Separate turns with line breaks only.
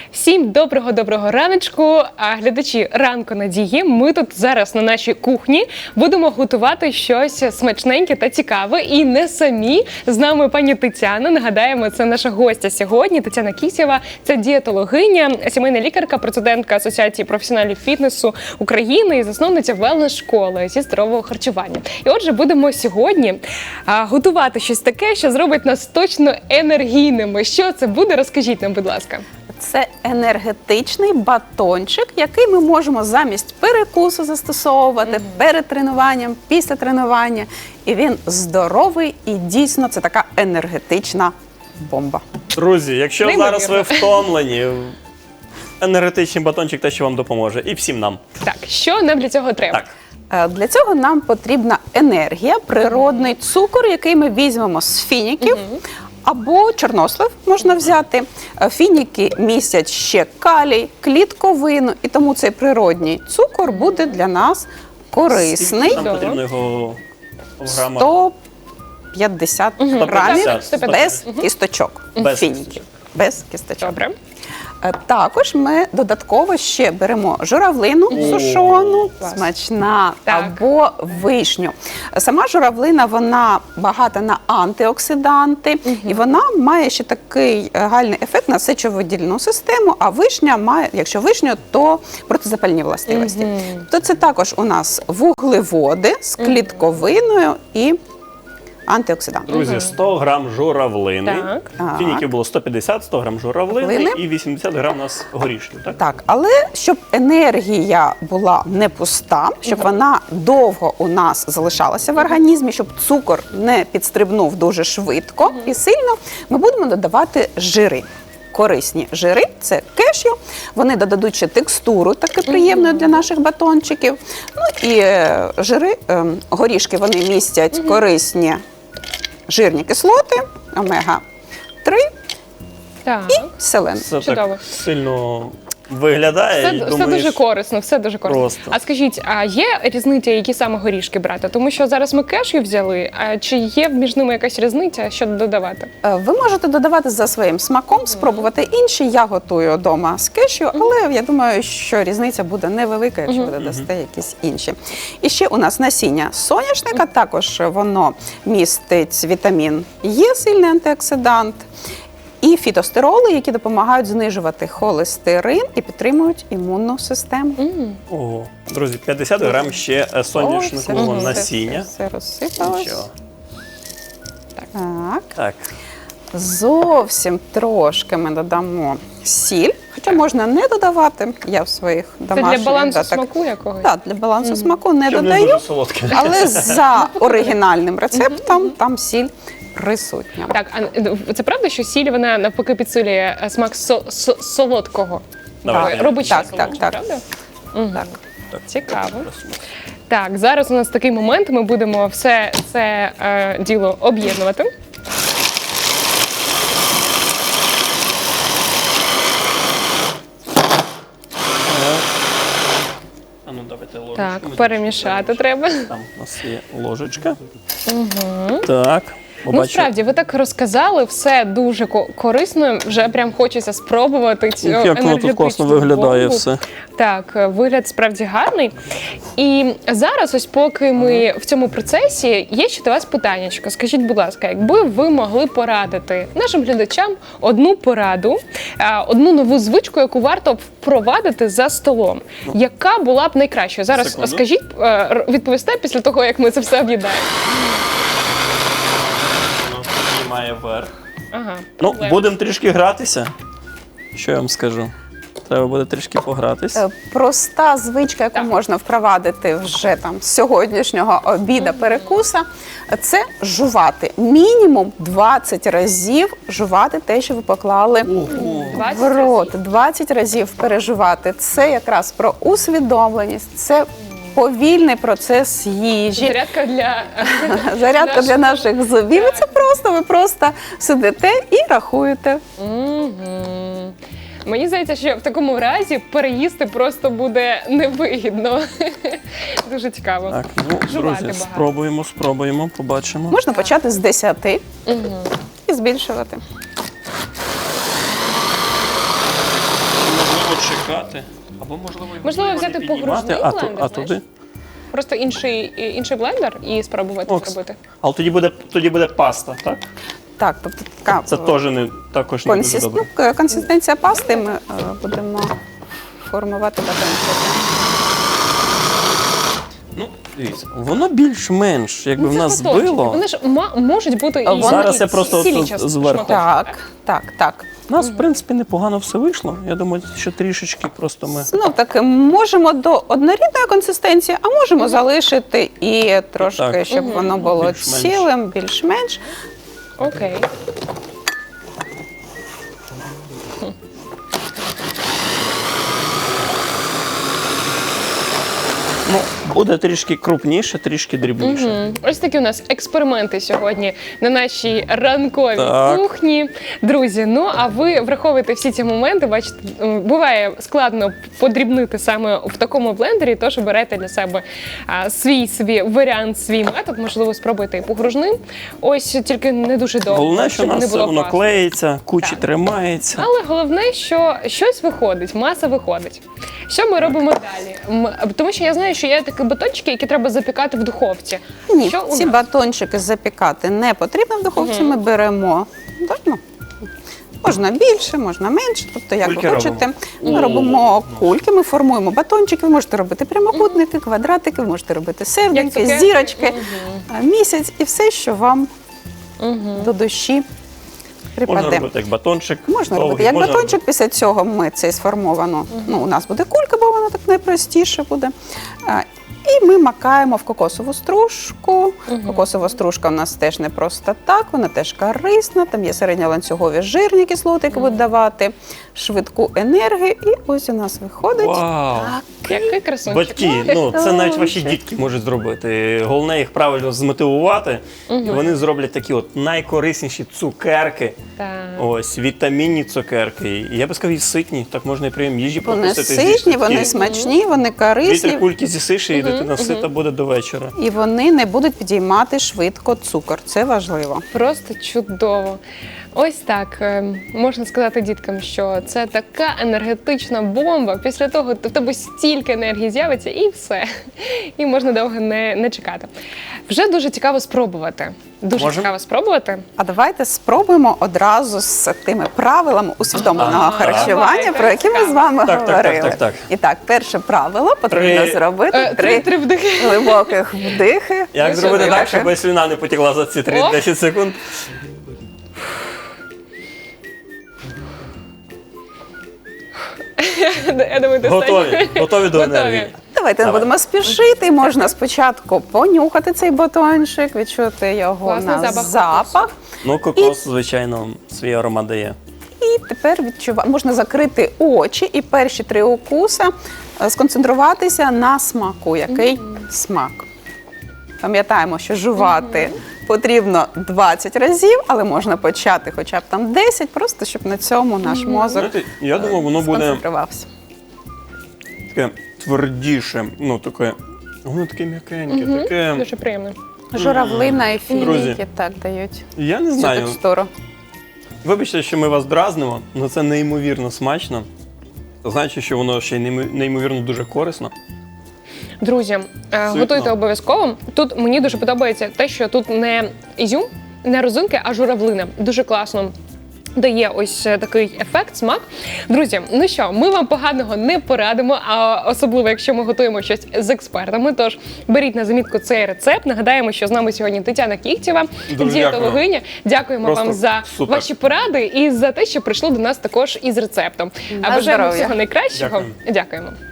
Всім доброго раночку, глядачі ранку Надії. Ми тут зараз на нашій кухні будемо готувати щось смачненьке та цікаве. І не самі. З нами пані Тетяна. Нагадаємо, це наша гостя сьогодні. Тетяна Кісєва. Це дієтологиня, сімейна лікарка, президентка Асоціації професіоналів фітнесу України і засновниця велнес-школи зі здорового харчування. І отже, будемо сьогодні готувати щось таке, що зробить нас точно енергійними. Що це буде? Розкажіть нам, будь ласка.
Це енергетичний батончик, який ми можемо замість перекусу застосовувати перед тренуванням, після тренування. І він здоровий і дійсно це така енергетична бомба.
Друзі, якщо зараз ви втомлені, енергетичний батончик те, що вам допоможе. І всім нам.
Так, що нам для цього треба?
Так.
Для цього нам потрібна енергія, природний цукор, який ми візьмемо з фініків. Або чорнослив можна взяти. Фініки містять ще калій, клітковину, і тому цей природній цукор буде для нас корисний.
Нам потрібно його в грамах.
150 грамів
150.
без кісточок.
Без
фініків.
кісточок.
Без кісточок.
Добре.
Також ми додатково ще беремо журавлину сушену,
Клас.
смачна,
Так.
або вишню. Сама журавлина, вона багата на антиоксиданти, і вона має ще такий гальний ефект на сечовидільну систему, а вишня має, якщо вишню, то протизапальні властивості. То це також у нас вуглеводи з клітковиною і антиоксиданти.
Друзі, 100 грам журавлини.
Так.
Фініків було 150, 100 грам журавлини
Журавлини.
і 80 грам у нас горішків. Так?
Так, але щоб енергія була не пуста, щоб вона довго у нас залишалася в організмі, щоб цукор не підстрибнув дуже швидко і сильно, ми будемо додавати жири. Корисні жири – це кешю, вони додадуть ще текстуру таку приємну для наших батончиків. Ну і жири, горішки, вони містять корисні жирні кислоти, омега-3
Так.
і селен.
Це
Чудово.
так сильно виглядає. і
Все
думаєш,
дуже корисно, все дуже корисно.
Просто.
А скажіть, а є різниця, які саме горішки брати? Тому що зараз ми кешю взяли, а чи є між ними якась різниця, що додавати?
Ви можете додавати за своїм смаком, спробувати інші. Я готую вдома з кешю, але я думаю, що різниця буде невелика, якщо ви додасте якісь інші. І ще у нас насіння соняшника, також воно містить вітамін Е, сильний антиоксидант, і фітостероли, які допомагають знижувати холестерин і підтримують імунну систему.
Ого. Друзі, 50 грам ще соняшникового насіння.
Все розсипалось.
Нічого.
Так.
Так.
Зовсім трошки ми додамо сіль, хоча можна не додавати. Я в своїх
Це
домашніх...
для балансу смаку якогось?
Так, для балансу смаку не
Щоб не
додаю,
дуже солодке.
але за оригінальним рецептом там сіль присутня.
Так, а це правда, що сіль, вона навпаки підсилює смак солодкого?
Давай.
Робить ще
Так,
солодше,
так.
правда?
Так.
Цікаво. Так, зараз у нас такий момент, ми будемо все це діло об'єднувати.
А ну давайте ложечку.
Так,
Ми
перемішати треба.
Там у нас є ложечка. Так.
Ну,
Побачу.
справді, ви так розказали, все дуже корисно, вже прям хочеться спробувати цю
Як воно тут
енергетичну
класно виглядає
бомбу.
все.
Так, вигляд справді гарний. І зараз, ось поки ми в цьому процесі, є ще до вас питаннячко. Скажіть, будь ласка, якби ви могли порадити нашим глядачам одну пораду, одну нову звичку, яку варто впровадити за столом, яка була б найкращою? Зараз
Секунду.
скажіть, відповісте після того, як ми це все об'єднаємо.
Воно піднімає вверх.
Ага.
Ну,
проблема.
будемо трішки гратися. Що я вам скажу? Треба буде трішки погратись.
Проста звичка, яку можна впровадити вже там з сьогоднішнього обіда, перекуса, це жувати. Мінімум 20 разів жувати те, що ви поклали
20
в рот. 20 разів пережувати. Це якраз про усвідомленість, це повільний процес їжі.
Зарядка для...
Зарядка для наших зубів. І це просто, ви просто сидите і рахуєте.
Мені здається, що в такому разі переїсти просто буде невигідно. Дуже цікаво.
Так, ну,
Жувати
друзі,
багато.
спробуємо, побачимо.
Можна почати з 10 і збільшувати.
почекати. Або, можливо
Можливо,
не
взяти
піднімати,
погружний
а
блендер,
а
знаєш?
туди.
Просто інший блендер і спробувати
Окс.
зробити.
Але тоді буде паста, так?
Так, тобто така
Це теж також не дуже добре.
консистенція пасти ми будемо формувати батончики.
Ну, дивіться, воно більш-менш, якби в
Ну, це
нас
батончики.
збило.
Вони ж можуть бути і
Зараз я просто
цілі
тут
частини,
зверху.
шматочки.
Так.
У нас, в принципі, непогано все вийшло. Я думаю, що трішечки просто ми.
Знов таки, можемо до однорідної консистенції, а можемо залишити і трошки,
Так.
щоб воно було
Більш-менш.
цілим, більш-менш.
Окей.
Ну, буде трішки крупніше, трішки дрібніше.
Ось такі у нас експерименти сьогодні на нашій ранковій
Так.
кухні. Друзі, ну а ви враховуєте всі ці моменти. Бачите, буває складно подрібнити саме в такому блендері, тож обирайте для себе свій варіант, свій метод. Можливо, спробуйте і погружним. Ось тільки не дуже довго.
Головне, що у
щоб не
нас
було
воно
пасти.
клеїться, кучі
Так.
тримається.
Але головне, що щось виходить, маса виходить. Що ми робимо далі? Тому що я знаю, що є такі батончики, які треба запікати в духовці.
Ні,
Що у
ці
нас?
батончики запікати не потрібно в духовці. Ми беремо можна більше, можна менше, тобто як
Кульки
ви хочете.
робимо.
Ми робимо кульки, ми формуємо батончики, ви можете робити прямокутники, квадратики, ви можете робити серденьки,
цукерки.
зірочки, місяць і все, що вам до душі
Можна
припаде.
робити як батончик.
Можна
довгий,
робити як
можна
батончик, після цього ми це сформовано. У нас буде кулька, бо вона так найпростіше буде. І ми макаємо в кокосову стружку. Кокосова стружка у нас теж не просто так, вона теж корисна. Там є середньоланцюгові жирні кислоти, які будуть давати швидку енергію. І ось у нас виходить.
Вау!
Який красунчик.
Батьки, ну це навіть ваші дітки можуть зробити. Головне їх правильно змотивувати, і вони зроблять такі от найкорисніші цукерки.
Так.
Ось вітамінні цукерки. І я би сказав, і ситні. Так можна і прийом їжі
Вони
пропустити.
ситні, вони смачні, вони корисні.
2-3 кульки з'їсиш, і дитина сита буде до вечора.
І вони не будуть підіймати швидко цукор. Це важливо.
Просто чудово. Ось так можна сказати діткам, що це така енергетична бомба. Після того в тебе стільки енергії з'явиться і все. І можна довго не чекати. Вже дуже цікаво спробувати. Дуже
Можем?
цікаво спробувати.
А давайте спробуємо одразу з тими правилами усвідомленого харчування,
Давайте,
про які ми з вами
Так, так,
говорили.
так.
І так, перше правило потрібно
Три.
зробити
Три вдихи.
глибоких вдихи.
Як
Ну,
зробити
що,
так,
видихи.
щоб слюна не потекла за ці
О!
3-10 секунд?
Я думаю, достатньо.
Готові до енергії.
Давайте не
Давай.
будемо спішити. Можна спочатку понюхати цей батончик, відчути його
Класний
на
запах
запах.
Ну, кокос, звичайно, свій аромат дає.
І тепер можна закрити очі і перші 3 укуси сконцентруватися на смаку. Який смак? Пам'ятаємо, що жувати потрібно 20 разів, але можна почати хоча б там 10, просто щоб на цьому наш мозок
Знаєте, я думав, воно буде
сконцентрувався.
таке твердіше, ну таке, воно таке м'якеньке, таке.
Дуже приємно.
Журавлина і
Друзі.
фініки так дають
Я не
цю
знаю.
текстуру.
Вибачте, що ми вас дразнимо, але це неймовірно смачно. Значить, що воно ще й неймовірно дуже корисно.
Друзі, готуйте обов'язково. Тут мені дуже подобається те, що тут не ізюм, не розинки, а журавлина. Дуже класно дає ось такий ефект, смак. Друзі, ну що, ми вам поганого не порадимо, а особливо, якщо ми готуємо щось з експертами. Тож беріть на замітку цей рецепт. Нагадаємо, що з нами сьогодні Тетяна Кіхтєва,
Дуже
дієтологиня. Дякуємо
Просто
вам за
супер.
ваші поради і за те, що прийшли до нас також із рецептом.
На
Бажаємо
здоров'я.
всього найкращого.
Дякую.
Дякуємо.